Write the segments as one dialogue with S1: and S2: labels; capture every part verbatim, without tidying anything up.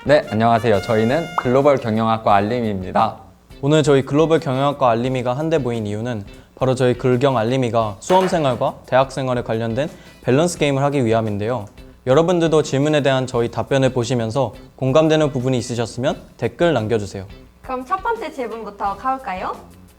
S1: 네, 안녕하세요. 저희는 글로벌 경영학과 알림이입니다.
S2: 오늘 저희 글로벌 경영학과 알림이가 한데 모인 이유는 바로 저희 글경 알림이가 수험생활과 대학생활에 관련된 밸런스 게임을 하기 위함인데요. 여러분들도 질문에 대한 저희 답변을 보시면서 공감되는 부분이 있으셨으면 댓글 남겨주세요.
S3: 그럼 첫 번째 질문부터 가볼까요?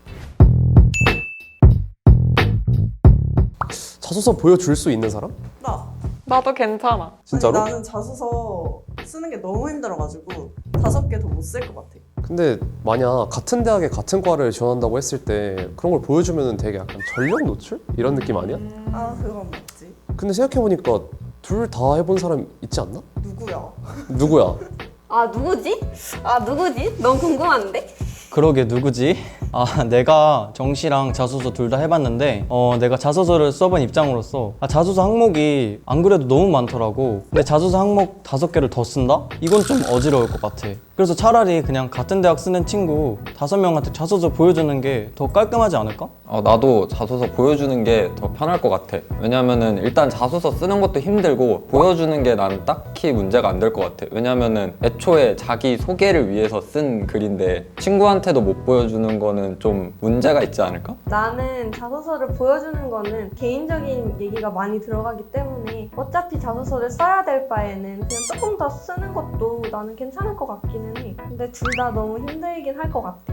S4: 자소서 보여줄 수 있는 사람?
S5: 나.
S6: 나도 괜찮아.
S4: 진짜로?
S5: 아니, 나는 자소서 쓰는 게 너무 힘들어가지고 다섯 개 더 못 쓸 것 같아.
S4: 근데 만약 같은 대학에 같은 과를 지원한다고 했을 때 그런 걸 보여주면 되게 약간 전력 노출? 이런 느낌 아니야?
S5: 아, 그건 맞지.
S4: 근데 생각해보니까 둘 다 해본 사람 있지 않나?
S5: 누구야?
S4: 누구야?
S3: 아 누구지? 아 누구지? 너무 궁금한데?
S2: 그러게 누구지? 아 내가 정시랑 자소서 둘 다 해봤는데 어 내가 자소서를 써본 입장으로서 아, 자소서 항목이 안 그래도 너무 많더라고. 근데 자소서 항목 다섯 개를 더 쓴다? 이건 좀 어지러울 것 같아. 그래서 차라리 그냥 같은 대학 쓰는 친구 다섯 명한테 자소서 보여주는 게 더 깔끔하지 않을까?
S1: 어, 나도 자소서 보여주는 게 더 편할 것 같아. 왜냐면은 일단 자소서 쓰는 것도 힘들고 보여주는 게 난 딱히 문제가 안 될 것 같아. 왜냐면은 애초에 자기 소개를 위해서 쓴 글인데 친구한테도 못 보여주는 거는 좀 문제가 있지 않을까?
S3: 나는 자소서를 보여주는 거는 개인적인 얘기가 많이 들어가기 때문에 어차피 자소서를 써야 될 바에는 그냥 조금 더 쓰는 것도 나는 괜찮을 것 같기는 해. 근데 둘 다 너무 힘들긴 할 것 같아.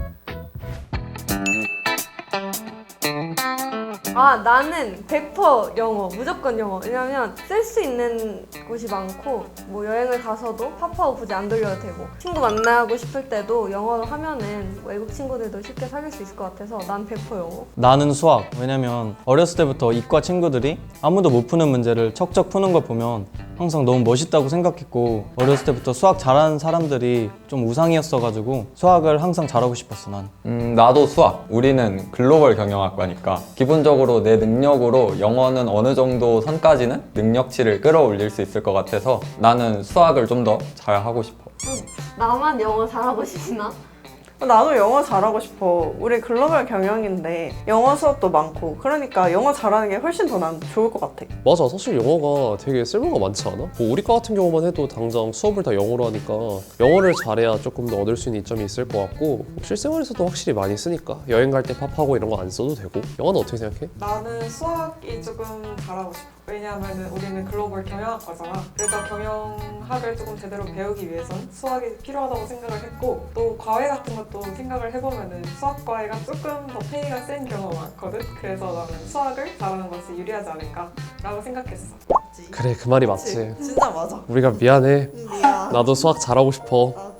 S3: 아 나는 백 퍼센트 영어, 무조건 영어. 왜냐면 쓸 수 있는 곳이 많고 뭐 여행을 가서도 파파고 굳이 안 돌려도 되고 친구 만나고 싶을 때도 영어로 하면은 외국 친구들도 쉽게 사귈 수 있을 것 같아서 난 백 퍼센트 영어.
S2: 나는 수학. 왜냐면 어렸을 때부터 이과 친구들이 아무도 못 푸는 문제를 척척 푸는 걸 보면 항상 너무 멋있다고 생각했고 어렸을 때부터 수학 잘하는 사람들이 좀 우상이었어가지고 수학을 항상 잘하고 싶었어 난.
S1: 음, 나도 수학. 우리는 글로벌 경영학과니까 기본적으로 내 능력으로 영어는 어느 정도 선까지는 능력치를 끌어올릴 수 있을 것 같아서 나는 수학을 좀 더 잘하고 싶어.
S3: 나만 영어 잘하고 싶나?
S5: 나도 영어 잘하고 싶어. 우리 글로벌 경영인데 영어 수업도 많고 그러니까 영어 잘하는 게 훨씬 더 난 좋을 것 같아.
S4: 맞아, 사실 영어가 되게 쓸모가 많지 않아? 뭐 우리 과 같은 경우만 해도 당장 수업을 다 영어로 하니까 영어를 잘해야 조금 더 얻을 수 있는 이점이 있을 것 같고 실생활에서도 확실히 많이 쓰니까 여행 갈 때 팝하고 이런 거 안 써도 되고. 영어는 어떻게 생각해?
S6: 나는 수학이 조금 잘하고 싶어. 왜냐하면 우리는 글로벌 경영학과잖아. 그래서 경영학을 조금 제대로 배우기 위해선 수학이 필요하다고 생각을 했고 또 과외 같은 것도 생각을 해보면 수학 과외가 조금 더 페이가 센 경우가 많거든. 그래서 나는 수학을 잘하는 것이 유리하지 않을까라고 생각했어.
S5: 맞지?
S4: 그래, 그 말이
S5: 그치?
S4: 맞지.
S5: 진짜 맞아.
S4: 우리가 미안해.
S5: 음, 미안.
S4: 나도 수학 잘하고 싶어.
S5: 나도.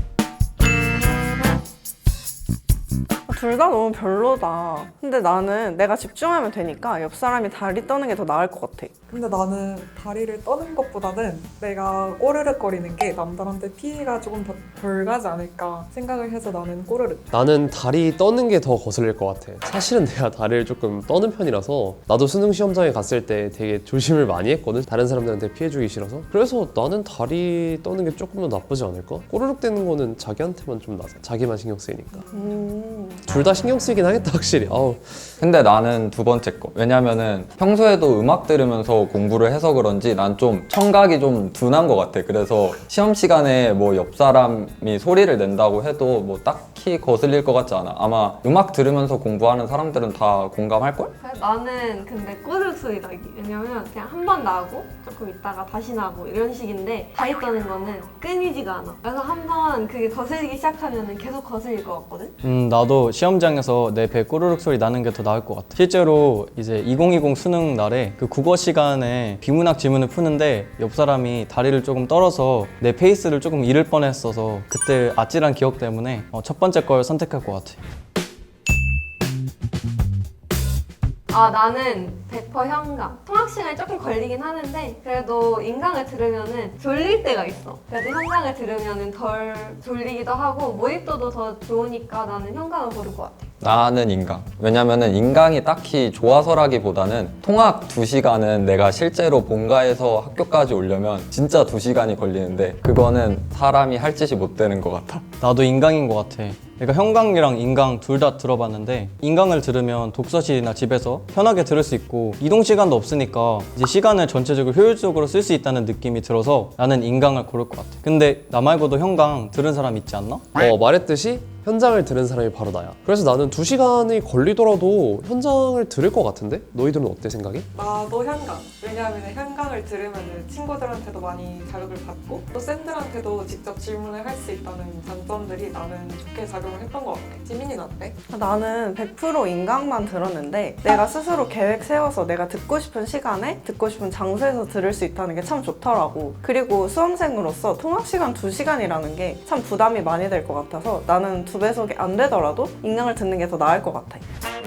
S5: 둘 다 너무 별로다. 근데 나는 내가 집중하면 되니까 옆 사람이 다리 떠는 게 더 나을 것 같아.
S6: 근데 나는 다리를 떠는 것보다는 내가 꼬르륵거리는 게 남들한테 피해가 조금 더 덜 가지 않을까 생각을 해서 나는 꼬르륵.
S4: 나는 다리 떠는 게 더 거슬릴 것 같아. 사실은 내가 다리를 조금 떠는 편이라서 나도 수능 시험장에 갔을 때 되게 조심을 많이 했거든. 다른 사람들한테 피해주기 싫어서. 그래서 나는 다리 떠는 게 조금 더 나쁘지 않을까? 꼬르륵 대는 거는 자기한테만 좀 나서 자기만 신경 쓰이니까.
S5: 음.
S4: 둘 다 신경 쓰이긴 하겠다 확실히. 아우.
S1: 근데 나는 두 번째 거. 왜냐면은 평소에도 음악 들으면서 공부를 해서 그런지 난 좀 청각이 좀 둔한 것 같아. 그래서 시험 시간에 뭐 옆 사람이 소리를 낸다고 해도 뭐 딱히 거슬릴 것 같지 않아. 아마 음악 들으면서 공부하는 사람들은 다 공감할걸?
S3: 나는 근데 꼬르륵 소리 나기. 왜냐면 그냥 한 번 나고 조금 있다가 다시 나고 이런 식인데 다리 떠는 거는 끊이지가 않아. 그래서 한 번 그게 거슬리기 시작하면 계속 거슬릴 것 같거든?
S2: 음 나도 시험장에서 내 배 꼬르륵 소리 나는 게 더 나을 것 같아. 실제로 이제 이천이십 수능 날에 그 국어 시간에 비문학 지문을 푸는데 옆 사람이 다리를 조금 떨어서 내 페이스를 조금 잃을 뻔했어서 그때 아찔한 기억 때문에 어, 첫 번째 걸 선택할 것 같아.
S3: 아 나는 백 퍼센트 현강. 통학 시간이 조금 걸리긴 하는데 그래도 인강을 들으면은 졸릴 때가 있어. 그래도 현강을 들으면은 덜 졸리기도 하고 몰입도도 더 좋으니까 나는 현강을 고를 것 같아.
S1: 나는 인강. 왜냐면은 인강이 딱히 좋아서라기보다는 통학 두 시간은 내가 실제로 본가에서 학교까지 오려면 진짜 두 시간이 걸리는데 그거는 사람이 할 짓이 못 되는 것 같아.
S2: 나도 인강인 것 같아. 내가 현강이랑 인강 둘 다 들어봤는데 인강을 들으면 독서실이나 집에서 편하게 들을 수 있고 이동 시간도 없으니까 이제 시간을 전체적으로 효율적으로 쓸 수 있다는 느낌이 들어서 나는 인강을 고를 것 같아. 근데 나 말고도 현강 들은 사람 있지 않나?
S4: 어, 말했듯이 현장을 들은 사람이 바로 나야. 그래서 나는 두 시간이 걸리더라도 현장을 들을 것 같은데? 너희들은 어때 생각이?
S6: 나도 현강. 왜냐하면 현강을 들으면 친구들한테도 많이 자극을 받고 또 쌤들한테도 직접 질문을 할 수 있다는 장점들이 나는 좋게 작용을 했던 것 같아. 지민이는 어때?
S5: 나는 백 퍼센트 인강만 들었는데 내가 스스로 계획 세워서 내가 듣고 싶은 시간에 듣고 싶은 장소에서 들을 수 있다는 게 참 좋더라고. 그리고 수험생으로서 통학 시간 두 시간이라는 게 참 부담이 많이 될 것 같아서 나는 두 배속이 안 되더라도 인강을 듣는 게 더 나을 것 같아.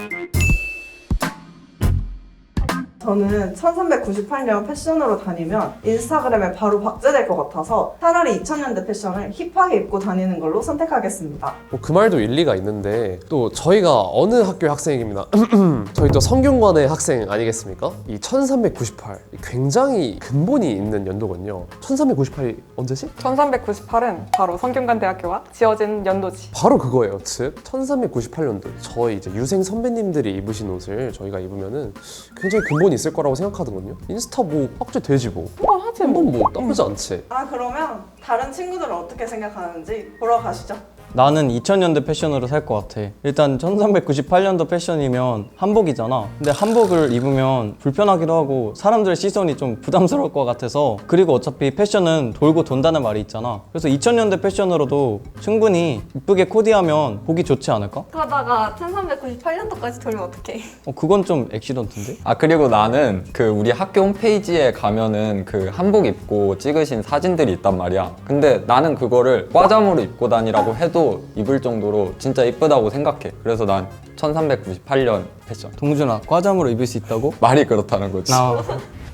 S5: 저는 천삼백구십팔 년 패션으로 다니면 인스타그램에 바로 박제될 것 같아서 차라리 이천 년대 패션을 힙하게 입고 다니는 걸로 선택하겠습니다.
S4: 뭐 그 말도 일리가 있는데 또 저희가 어느 학교의 학생입니다. 저희 또 성균관의 학생 아니겠습니까? 이 천삼백구십팔 굉장히 근본이 있는 연도거든요. 천삼백구십팔이 언제지?
S6: 천삼백구십팔은 바로 성균관대학교가 지어진 연도지.
S4: 바로 그거예요. 즉 천삼백구십팔 년도 저희 이제 유생 선배님들이 입으신 옷을 저희가 입으면은 굉장히 근본이 있을 거라고 생각하거든요. 인스타 뭐 박제 되지 뭐. 한번 하지 뭐. 뭐 나쁘지 않지.
S5: 아 그러면 다른 친구들은 어떻게 생각하는지 보러 가시죠.
S2: 나는 이천 년대 패션으로 살 것 같아. 일단 천삼백구십팔 년도 패션이면 한복이잖아. 근데 한복을 입으면 불편하기도 하고 사람들의 시선이 좀 부담스러울 것 같아서, 그리고 어차피 패션은 돌고 돈다는 말이 있잖아. 그래서 이천 년대 패션으로도 충분히 이쁘게 코디하면 보기 좋지 않을까?
S3: 그러다가 천삼백구십팔 년도까지 돌면 어떡해.
S2: 어, 그건 좀 액시던트인데?
S1: 아 그리고 나는 그 우리 학교 홈페이지에 가면은 그 한복 입고 찍으신 사진들이 있단 말이야. 근데 나는 그거를 과잠으로 입고 다니라고 해도 입을 정도로 진짜 이쁘다고 생각해. 그래서 난 천삼백구십팔 년 패션.
S2: 동준아, 과잠으로 입을 수 있다고?
S1: 말이 그렇다는 거지.
S2: 나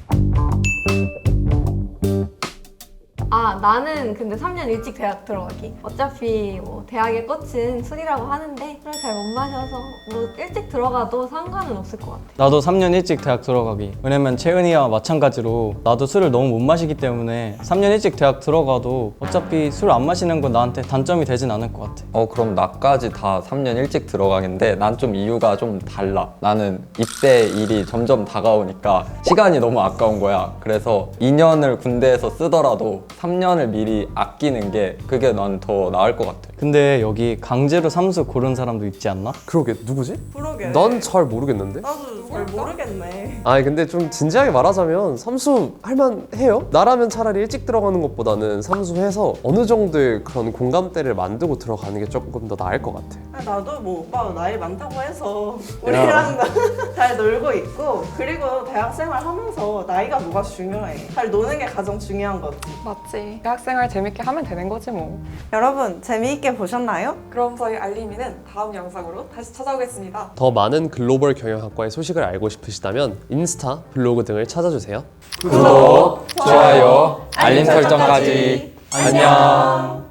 S3: 아 나는 근데 삼 년 일찍 대학 들어가기. 어차피 뭐 대학의 꽃은 술이라고 하는데 술을 잘 못 마셔서 뭐 일찍 들어가도 상관은 없을 것 같아.
S2: 나도 삼 년 일찍 대학 들어가기. 왜냐면 채은이와 마찬가지로 나도 술을 너무 못 마시기 때문에 삼 년 일찍 대학 들어가도 어차피 술 안 마시는 건 나한테 단점이 되진 않을 것 같아.
S1: 어 그럼 나까지 다 삼 년 일찍 들어가겠는데 난 좀 이유가 좀 달라. 나는 입대 일이 점점 다가오니까 시간이 너무 아까운 거야. 그래서 이 년을 군대에서 쓰더라도 삼 년을 미리 아끼는 게 그게 난 더 나을 것 같아.
S2: 근데 여기 강제로 삼수 고른 사람도 있지 않나?
S4: 그러게 누구지?
S5: 그러게.
S4: 난 잘 모르겠는데.
S5: 나도 잘 모르겠네.
S4: 아니 근데 좀 진지하게 말하자면 삼수 할만해요? 나라면 차라리 일찍 들어가는 것보다는 삼수해서 어느 정도의 그런 공감대를 만들고 들어가는 게 조금 더 나을 것 같아.
S5: 아, 나도 뭐 오빠가 나이 많다고 해서 우리랑 잘 놀고 있고, 그리고 대학생활 하면서 나이가 뭐가 중요해. 잘 노는 게 가장 중요한 거지.
S6: 맞지. 대학생활 재밌게 하면 되는 거지 뭐.
S5: 여러분 재미있게 보셨나요?
S6: 그럼 저희 알림이는 다음 영상으로 다시 찾아오겠습니다.
S4: 더 많은 글로벌 경영학과의 소식을 알고 싶으시다면 인스타, 블로그 등을 찾아주세요.
S1: 구독, 좋아요, 알림 설정까지. 안녕.